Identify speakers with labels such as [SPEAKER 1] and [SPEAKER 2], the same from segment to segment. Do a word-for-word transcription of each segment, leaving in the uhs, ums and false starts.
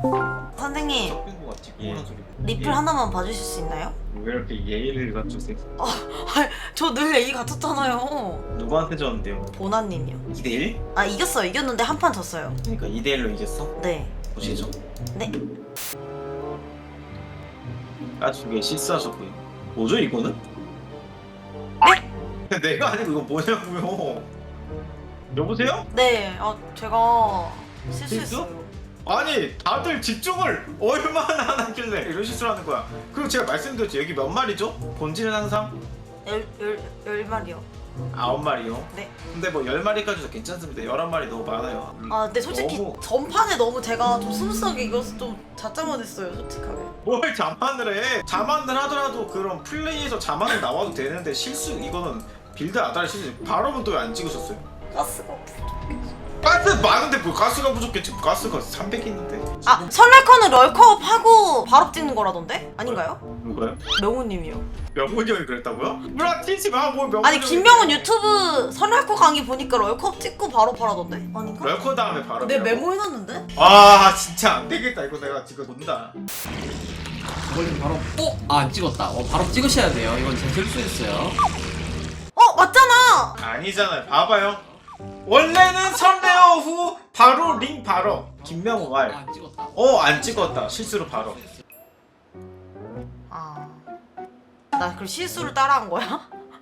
[SPEAKER 1] 선생님
[SPEAKER 2] 섞인 거 같지? 뭐란 소리?
[SPEAKER 1] 리플 하나만 봐주실 수 있나요?
[SPEAKER 2] 왜 이렇게 예의를 갖추세요?
[SPEAKER 1] 저 늘 A 갖췄잖아요.
[SPEAKER 2] 누구한테 졌는데요?
[SPEAKER 1] 보나님이요.
[SPEAKER 2] 이 대 일?
[SPEAKER 1] 아 이겼어요. 이겼는데 한 판 졌어요.
[SPEAKER 2] 그러니까 이 대 일로 이겼어?
[SPEAKER 1] 네.
[SPEAKER 2] 보시죠.
[SPEAKER 1] 네.
[SPEAKER 2] 나중에 실수하셨고요. 뭐죠 이거는?
[SPEAKER 1] 네?
[SPEAKER 2] 내가 아니고 이거 뭐냐고요? 여보세요?
[SPEAKER 1] 네. 아 제가 실수했어요.
[SPEAKER 2] 아니 다들 집중을 얼마나 안 하길래 이런 실수를 하는 거야. 그리고 제가 말씀드렸죠. 여기 몇 마리죠? 본질은 항상
[SPEAKER 1] 열, 열, 열 마리요.
[SPEAKER 2] 아홉 마리요.
[SPEAKER 1] 네.
[SPEAKER 2] 근데 뭐 열 마리까지도 괜찮습니다. 열한 마리 너무 많아요.
[SPEAKER 1] 아 근데 솔직히
[SPEAKER 2] 너무...
[SPEAKER 1] 전판에 너무 제가 좀 스무스하게 이겨서 좀 자짜만했어요 솔직하게.
[SPEAKER 2] 뭘 자만을 해? 자만을 하더라도 그런 플레이에서 자만이 나와도 되는데 실수 이거는 빌드 아다리 실수. 바로는 또 왜 안 찍으셨어요?
[SPEAKER 1] 가스가 없어.
[SPEAKER 2] 가스 많은데 뭐 가스가 부족했지. 가스가 삼백 있는데.
[SPEAKER 1] 아 설날커는 럴컵 하고 바로 찍는 거라던데? 아닌가요?
[SPEAKER 2] 누가요?
[SPEAKER 1] 명훈님이요.
[SPEAKER 2] 명훈이 형이 그랬다고요? 뭐라 튀지 마. 뭐 명훈이
[SPEAKER 1] 아니
[SPEAKER 2] 형이
[SPEAKER 1] 김명훈
[SPEAKER 2] 그래.
[SPEAKER 1] 유튜브 설날커 강의 보니까 럴컵 찍고 바로 팔아던데? 아닌가?
[SPEAKER 2] 럴커 다음에 바로.
[SPEAKER 1] 내 메모해놨는데?
[SPEAKER 2] 아 진짜 안 되겠다. 이거 내가 지금 본다.
[SPEAKER 3] 저걸링 바로 어? 아, 안 찍었다. 어, 바로 찍으셔야 돼요. 이건 제 실수였어요.
[SPEAKER 1] 어 맞잖아!
[SPEAKER 2] 아니잖아요. 봐봐요. 원래는 선레어 후 바로 링 바로. 김명훈
[SPEAKER 3] 아,
[SPEAKER 2] 말.
[SPEAKER 3] 안 찍었다.
[SPEAKER 2] 어 안 찍었다. 실수로 바로.
[SPEAKER 1] 아... 나 그럼 실수를 따라한 거야?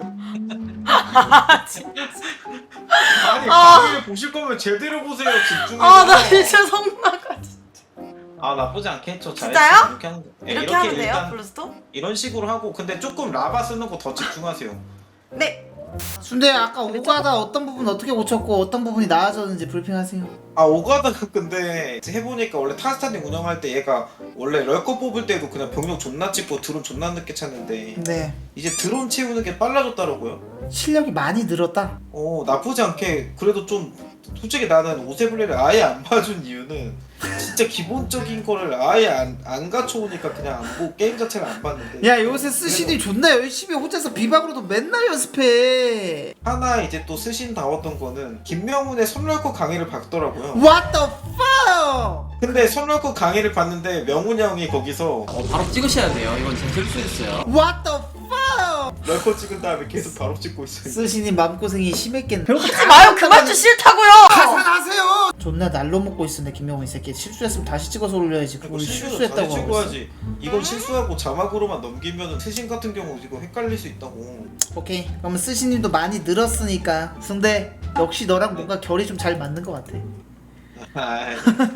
[SPEAKER 1] 아 진짜
[SPEAKER 2] 아니
[SPEAKER 1] 아.
[SPEAKER 2] 강의를 보실 거면 제대로 보세요. 집중해서.
[SPEAKER 1] 아 나 진짜 성나가 진짜.
[SPEAKER 2] 아 나쁘지 않겠죠.
[SPEAKER 1] 진짜요?
[SPEAKER 2] 이렇게 하는 거. 네,
[SPEAKER 1] 이렇게, 하면 돼요?
[SPEAKER 2] 일단
[SPEAKER 1] 블루스톱?
[SPEAKER 2] 이런 식으로 하고 근데 조금 라바 쓰는 거 더 집중하세요.
[SPEAKER 1] 네!
[SPEAKER 4] 순대 아까 오가다 어떤 부분 어떻게 고쳤고 어떤 부분이 나아졌는지 브리핑하세요.
[SPEAKER 2] 아 오가다가 근데 해보니까 원래 타스타님 운영할 때 얘가 원래 럴커 뽑을 때도 그냥 병력 존나 찍고 드론 존나 늦게 찾는데
[SPEAKER 4] 네.
[SPEAKER 2] 이제 드론 채우는 게 빨라졌더라고요.
[SPEAKER 4] 실력이 많이 늘었다.
[SPEAKER 2] 어 나쁘지 않게 그래도 좀 솔직히 나는 오세블리를 아예 안 봐준 이유는 진짜 기본적인 거를 아예 안, 안 갖춰오니까 그냥 안 보고 게임 자체를 안 봤는데
[SPEAKER 4] 야 요새 스시디 존나 열심히 혼자서 비박으로도 맨날 연습해.
[SPEAKER 2] 하나 이제 또 쓰신 다웠던 거는 김명훈의 선럴커 강의를 봤더라고요.
[SPEAKER 4] What the fuck?
[SPEAKER 2] 근데 선럴커 강의를 봤는데 명훈이 형이 거기서
[SPEAKER 3] 어, 바로 찍으셔야 돼요. 이건 제 실수였어요.
[SPEAKER 4] What the fuck?
[SPEAKER 2] 럴커 찍은 다음에 계속 바로 찍고 있어요.
[SPEAKER 4] 스시님 마음고생이 심했겠네.
[SPEAKER 1] 하지 마요! 그만 좀 싫다고요!
[SPEAKER 4] 가산하세요. 존나 날로 먹고 있었네 김명훈 이 새끼. 실수했으면 다시 찍어서 올려야지.
[SPEAKER 2] 그거
[SPEAKER 4] 그걸
[SPEAKER 2] 실수했다고
[SPEAKER 4] 실수했다고 하고 있어.
[SPEAKER 2] 찍어야지. 이건 실수하고 자막으로만 넘기면은 트신 같은 경우 이거 헷갈릴 수 있다고.
[SPEAKER 4] 오케이. 그러면 스시님도 많이 늘었으니까 승대 역시 너랑 뭔가 결이 좀 잘 맞는 것 같아.
[SPEAKER 2] 아이,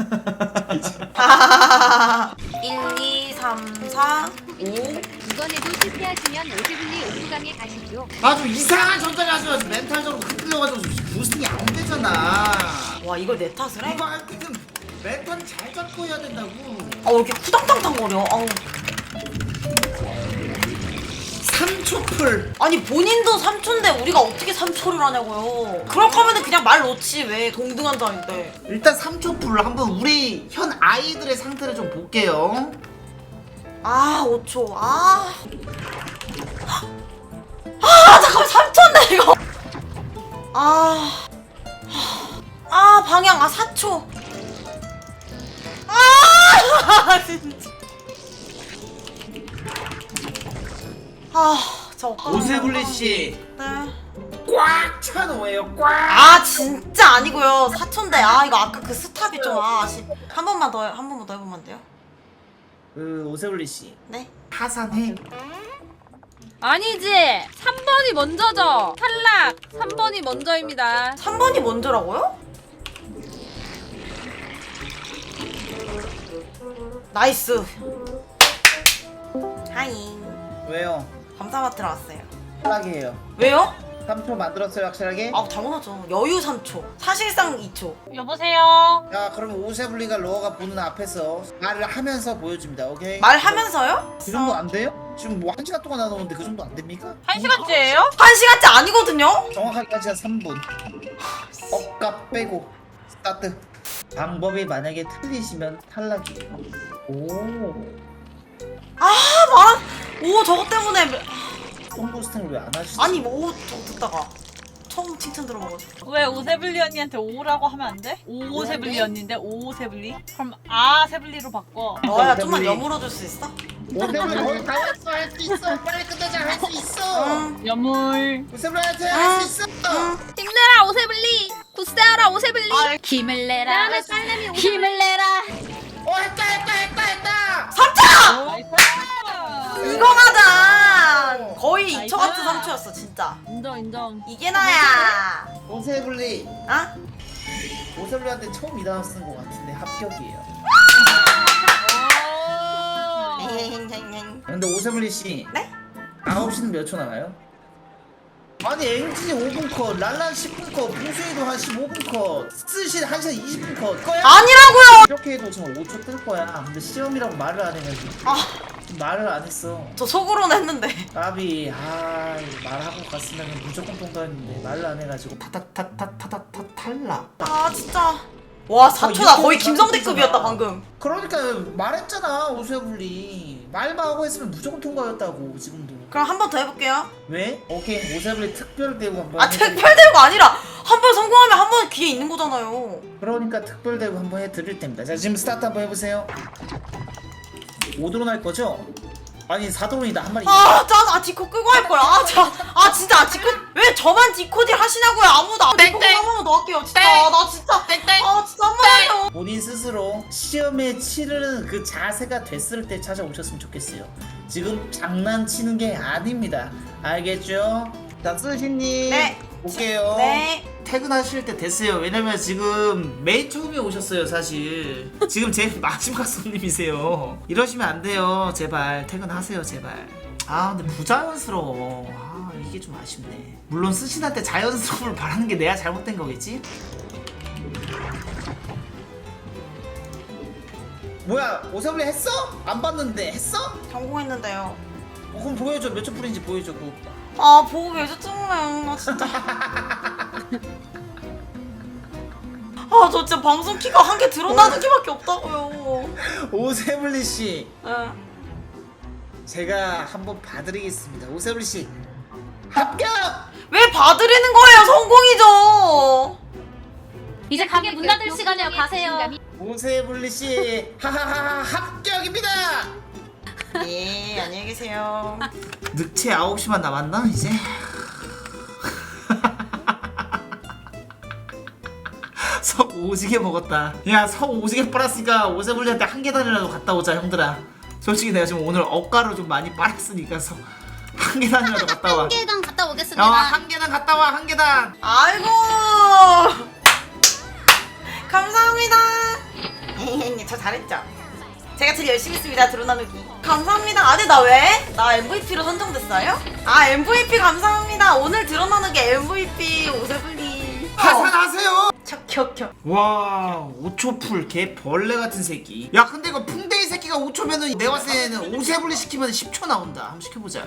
[SPEAKER 1] 일, 이, 삼, 사, 오
[SPEAKER 5] 이번에도 실패하시면 오세블리 옥수강에 가시죠.
[SPEAKER 4] 아주 이상한 전달이 하셔가지고 멘탈적으로 흔들려가지고 부스팅이 안 되잖아.
[SPEAKER 1] 와 이걸 내 탓을 해?
[SPEAKER 4] 이거 할 때는 멘탈을 잘 잡고 해야 된다고.
[SPEAKER 1] 아 왜 이렇게 후당당당거려? 아우.
[SPEAKER 4] 삼 초 풀.
[SPEAKER 1] 아니 본인도 삼 초인데 우리가 어떻게 삼 초를 하냐고요. 그럴 거면은 그냥 말 놓지 왜 동등한 자인데.
[SPEAKER 4] 일단 삼 초 풀 한번 우리 현 아이들의 상태를 좀 볼게요.
[SPEAKER 1] 아 오 초 아. 아 잠깐만 삼 초인데 이거. 아. 아 방향 아 사 초. 아 진짜. 아, 저
[SPEAKER 4] 오세블리 씨.
[SPEAKER 1] 네.
[SPEAKER 4] 꽉 차놓아요. 꽉.
[SPEAKER 1] 아 진짜 아니고요. 사 초인데 아 이거 아까 그 스탑이 좀 아, 아쉽. 한 번만 더 한 번만 더 해보면 안 돼요?
[SPEAKER 4] 그 오세블리 씨.
[SPEAKER 1] 네.
[SPEAKER 4] 하산해.
[SPEAKER 6] 아니지! 삼 번이 먼저죠! 탈락! 삼 번이 먼저입니다.
[SPEAKER 1] 삼 번이 먼저라고요? 나이스. 하이.
[SPEAKER 4] 왜요?
[SPEAKER 1] 감사마트로 왔어요.
[SPEAKER 4] 탈락이에요.
[SPEAKER 1] 왜요?
[SPEAKER 4] 삼 초 만들었어요 확실하게?
[SPEAKER 1] 아 당연하죠. 여유 삼 초. 사실상 이 초.
[SPEAKER 6] 여보세요?
[SPEAKER 4] 야 그러면 오세블리가 로어가 보는 앞에서 말을 하면서 보여줍니다. 오케이?
[SPEAKER 1] 말하면서요?
[SPEAKER 4] 그 정도 안 돼요? 지금 뭐 한 시간 동안 나오는데 그 정도 안 됩니까?
[SPEAKER 6] 한 시간째예요?
[SPEAKER 1] 한 시간째 아니거든요?
[SPEAKER 4] 정확하게 한 시간 삼 분. 억값 빼고 스타트. 방법이 만약에 틀리시면 탈락이에요. 오.
[SPEAKER 1] 아 말한. 오 저거 때문에.
[SPEAKER 4] 홈부스팅을 왜 안 하시지?
[SPEAKER 1] 아니 뭐 저거 듣다가 처음 칭찬 들어봐가지고.
[SPEAKER 6] 왜 오세블리 언니한테 오라고 하면 안 돼? 오세블리 언니인데 오세블리? 그럼 아세블리로 바꿔.
[SPEAKER 1] 너야 좀만 여물어줄 수 있어?
[SPEAKER 4] 오세블리 거의 다 왔어. 할 수 있어. 빨리 끝내자. 할 수 있어.
[SPEAKER 1] 응.
[SPEAKER 6] 여물.
[SPEAKER 4] 오세블리한테 할 수 있어.
[SPEAKER 6] 힘내라 오세블리. 굳세어라 오세블리.
[SPEAKER 1] 아,
[SPEAKER 6] 힘을 내라. 힘을 내라.
[SPEAKER 4] 어 했다 했다 했다 했다.
[SPEAKER 1] 이거 가자. 거의
[SPEAKER 6] 나이스.
[SPEAKER 1] 이초 같은 삼초였어 진짜.
[SPEAKER 6] 인정 인정.
[SPEAKER 1] 이게 나야.
[SPEAKER 4] 오세블리.
[SPEAKER 1] 아?
[SPEAKER 4] 오세블리한테 처음 이단어 쓴 것 같은데 합격이에요. 근데 오세블리 씨.
[SPEAKER 1] 네?
[SPEAKER 4] 아홉 시는 몇 초 나가요? 아니 앵진이 오 분 컷, 랄란 십 분 컷, 봉수이도 한 십오 분 컷, 스시 한 시간 이십 분 컷. 거야?
[SPEAKER 1] 아니라고요.
[SPEAKER 4] 이렇게 해도 지금 오 초 뜰 거야. 근데 시험이라고 말을 안 해가지고
[SPEAKER 1] 아,
[SPEAKER 4] 말을 안 했어.
[SPEAKER 1] 저 속으로는 했는데.
[SPEAKER 4] 까비 아 말하고 갔으면 무조건 통과했는데 말을 안 해가지고 타타타타타타 탈락.
[SPEAKER 1] 아 진짜. 와 사 초 나
[SPEAKER 4] 이렇게
[SPEAKER 1] 거의
[SPEAKER 4] 해도
[SPEAKER 1] 김성대급이었다
[SPEAKER 4] 잘했잖아.
[SPEAKER 1] 방금.
[SPEAKER 4] 그러니까 말했잖아 오세블리 말만 하고 했으면 무조건 통과였다고 지금도.
[SPEAKER 1] 그럼 한 번 더 해볼게요.
[SPEAKER 4] 왜? 오케이 오세블리 특별 대우 한번.
[SPEAKER 1] 아
[SPEAKER 4] 해드릴게요.
[SPEAKER 1] 특별 대우가 아니라 한 번 성공하면 한 번 기회 있는 거잖아요.
[SPEAKER 4] 그러니까 특별 대우 한번 해드릴 텐니다. 자 지금 스타트 한번 해보세요. 오 드론 할 거죠? 아니 사 드론이다 한 마리.
[SPEAKER 1] 아, 짠! 아, 디코 끄고 할 거야. 아, 자, 아, 진짜, 아, 디코, 왜 저만 디코딜 하시냐고요? 아무도 안 디코 한 번만 더 할게요. 진짜, 나 진짜, 아, 진짜 한 번만 해요.
[SPEAKER 4] 본인 스스로 시험에 치르는 그 자세가 됐을 때 찾아오셨으면 좋겠어요. 지금 장난치는 게 아닙니다. 알겠죠? 자, 쓰시님.
[SPEAKER 1] 네.
[SPEAKER 4] 볼게요.
[SPEAKER 1] 네.
[SPEAKER 4] 퇴근하실 때 됐어요. 왜냐면 지금 맨 처음에 오셨어요, 사실. 지금 제일 마지막 손님이세요. 이러시면 안 돼요. 제발 퇴근하세요, 제발. 아, 근데 부자연스러워. 아, 이게 좀 아쉽네. 물론 스신한테 자연스러움을 바라는 게 내가 잘못된 거겠지? 뭐야, 오세블리 했어? 안 봤는데 했어?
[SPEAKER 1] 성공했는데요.
[SPEAKER 4] 어, 그럼 보여줘. 몇 초 풀인지 보여줘. 그거.
[SPEAKER 1] 아, 보고 계셨잖아요. 나 진짜. 아, 저 진짜 방송 키가 한 개 드러나는 키밖에 없다고요.
[SPEAKER 4] 오세블리 씨,
[SPEAKER 1] 예.
[SPEAKER 4] 제가 한번 봐드리겠습니다. 오세블리 씨, 합격!
[SPEAKER 1] 왜 봐드리는 거예요? 성공이죠.
[SPEAKER 5] 이제 가게 문 닫을 시간이에요. 가세요.
[SPEAKER 4] 오세블리 씨, 하하하 합격입니다.
[SPEAKER 1] 예, 안녕히 계세요.
[SPEAKER 4] 늑체 아홉 시만 남았나 이제? 석 오지게 먹었다. 야, 석 오지게 빨았으니까 오세블리한테 한 계단이라도 갔다 오자, 형들아. 솔직히 내가 지금 오늘 억가로 좀 많이 빨았으니까 석 한 계단이라도 갔다 와.
[SPEAKER 5] 계단 갔다 오겠습니다.
[SPEAKER 4] 어, 한 계단 갔다 와, 한 계단.
[SPEAKER 1] 아이고. 감사합니다. 저 잘했죠? 제가 제일 열심히 했습니다. 드론 나누기. 감사합니다. 아니 나 왜? 나 엠브이피로 선정됐어요? 아 엠브이피 감사합니다. 오늘 드론 나누기 엠브이피 오세블리.
[SPEAKER 4] 하산하세요.
[SPEAKER 1] 척척척.
[SPEAKER 4] 와, 오 초 풀 개 벌레 같은 새끼. 야, 근데 이거 풍뎅이 새끼가 오 초면은 내가 봤을 때는 오세블리 시키면 십 초 나온다. 한번 시켜보자.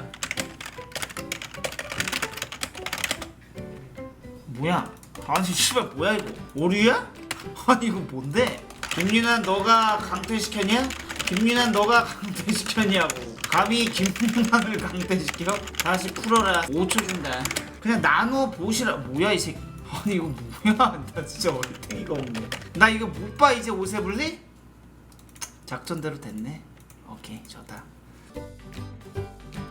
[SPEAKER 4] 뭐야? 아니 씨발 뭐야 이거? 오류야? 아니 이거 뭔데? 김윤환 너가 강퇴시켰냐? 김윤환 너가 강퇴시켰냐고. 감히 김윤환을 강퇴시켜? 다시 풀어라. 오 초 준다. 그냥 나눠 보시라. 뭐야 이 새끼. 아니 이거 뭐야? 나 진짜 얼탱이가 없네. 나 이거 못 봐 이제 오세블리? 작전대로 됐네. 오케이 좋다.